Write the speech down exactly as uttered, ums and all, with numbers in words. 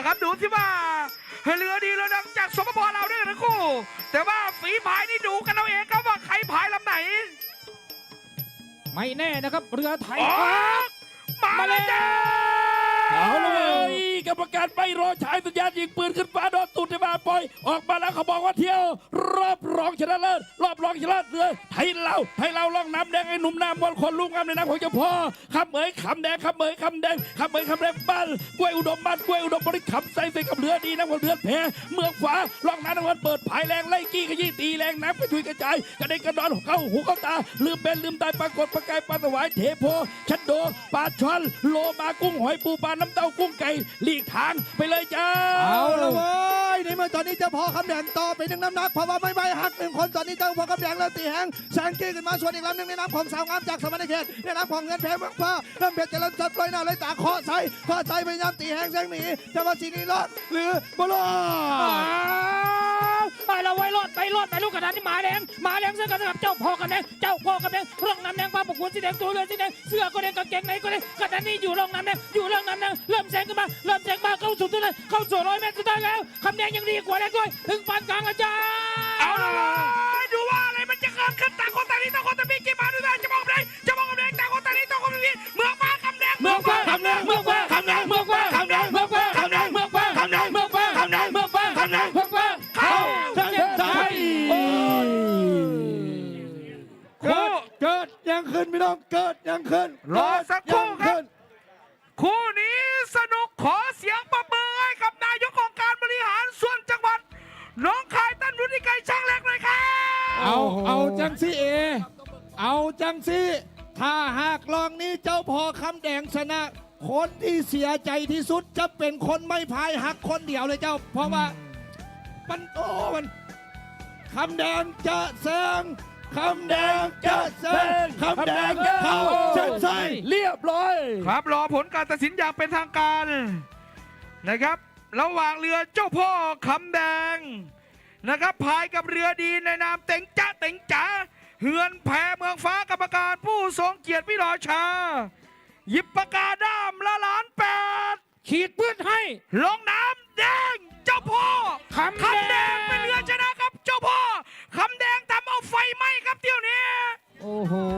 ครับดูสิว่าเรือดีเรือดังจากสปปลาวด้วยทั้งคู่แต่ว่าฝีพายนี่ดูกันเอาเองครับว่าใครพายลำไหนไม่แน่นะครับเรือไทยมาเลยจ้าเอาเลยกรรมการไปรอฉายสัญญาณยิงปืนขึ้นฟ้าโดนตุ่นในมาปล่อยออกมาแล้วเขาบอกว่าเที่ยวรอบรองชนะเลิศรอบรองชนะเลิศเรือไทยเราไทยเราล่องน้ำแดงไอ้หนุ่มน้ำบอลคนลุ่มงามในน้ำของเจ้าพ่อคำเอ๋ยคำแดงคำเอ๋ยคำแดงคำเอ๋ยคำแดงบ้านกล้วยอุดมบ้านกล้วยอุดมบริคำใส่ใส่กับเรือดีน้ำของเรือแพเมืองฟ้าล่องน้ำน้ำมันเปิดผายแรงไล่กี้ขยี้ตีแรงน้ำกระชุยกระจายกระเด็นกระดอนเข้าหูเข้าตาลืมเป็นลืมตายปรากฏประกายปลาสวายเทโพชัดโดปลาช่อนโลมากุ้งหอยปูปลาน้ำเต้ากุ้งไก่หลีกทางไปเลยจ้าเอาละเว้ยในเมื่อตอนนี้เจ้าพ่อคำแดงต่อไปหนึ่งน้ำหนักเพราะว่าไม่ไม่หักหนึ่งคนตอนนี้เจ้าพ่อคำแดงเริ่มตีแหงแซงกี้ขึ้นมาส่วนอีกลำหนึ่งในน้ำของสาวงามจากสมณเขตในน้ำของเงินแพ้เมืองฟ้าเริ่มเพชรเจริญจัดลอยหน้าเลยตาเคาะใส่เคาะใส่พยายามตีแหงแซงหนีจะมาสีนี้รอดหรือบอลไปเราไว้รอดไปรอดไปลูกกระดานที่หมาแดงหมาแดงเสื้อกันกับเจ้าพ่อกันแดงเจ้าพ่อกันแดงร่องน้ำแดงปลาปกขนสีแดงตัวเรือสีแดงเสื้อก็แดงกางเกงในก็แดงกระดานนี้อยู่ร่องน้ำแดงอยู่ร่องน้ำแดงเริ่มแซงขึ้นมาเริ่มแซงมาเข้าสู่ตัวเลยเข้าสู่ร้อยเมตรสุดท้ายแล้วคำแดงยังดีกว่าแดงด้วยถึงปานกลางอาจารย์เอาเลยดูว่าอะไรมันจะเกิดขึ้นต่างคนต่างนี้ต่างคนต่างมีกี่มาด้วยกันจะมองอะไรจะมองคำแดงต่างคนต่างนี้ต่างคนต่างมีเมืองฟ้าคำแดงเมืองฟ้าคำแดงเมืองฟ้าคำแดงเมืองฟ้าคำแดงเมืองฟ้าคำแดงเมืองฟ้าคำแดงเมืองฟ้าคำแดงเมืองฟ้าคำแดงเมืองฟ้าเข้าเส้นชัยเกิดเกิดยังขึ้นพี่น้องเกิดยังขึ้นรอสักครู่ครับคู่นี้สนุกขอเสียงปรบมือให้กับนายกองค์การบริหารส่วนจังหวัดน้องคายตั้นวุฒิไกรช่างเล็กเลยครับเอาเอาจังซี่เอเอาจังซี่ถ้าหากลองนี้เจ้าพ่อคำแดงชนะคนที่เสียใจที่สุดจะเป็นคนไม่พายหักคนเดียวเลยเจ้าเพราะว่ามันโอ้มันคำแดงจะแซงคำแดงจะแซงคำแดงเข้าเส้นชัยเรียบร้อยครับรอผลการตัดสินอย่างเป็นทางการนะครับระหว่างเรือเจ้าพ่อคำแดงนะครับพายกับเรือดีในนามเต็งจ้าเต็งจ๋าเฮือนแพเมืองฟ้ากรรมการผู้ทรงเกียรติวิรอชาหยิบปากกาด้ามละล้านแปดขีดปืนให้ลงน้ำแดงเจ้าพ่อคำแดงเป็นเรือชนะครับเจ้าพ่อคำแดงทำเอาไฟไหม้ครับเที่ยวนี้โอ้โห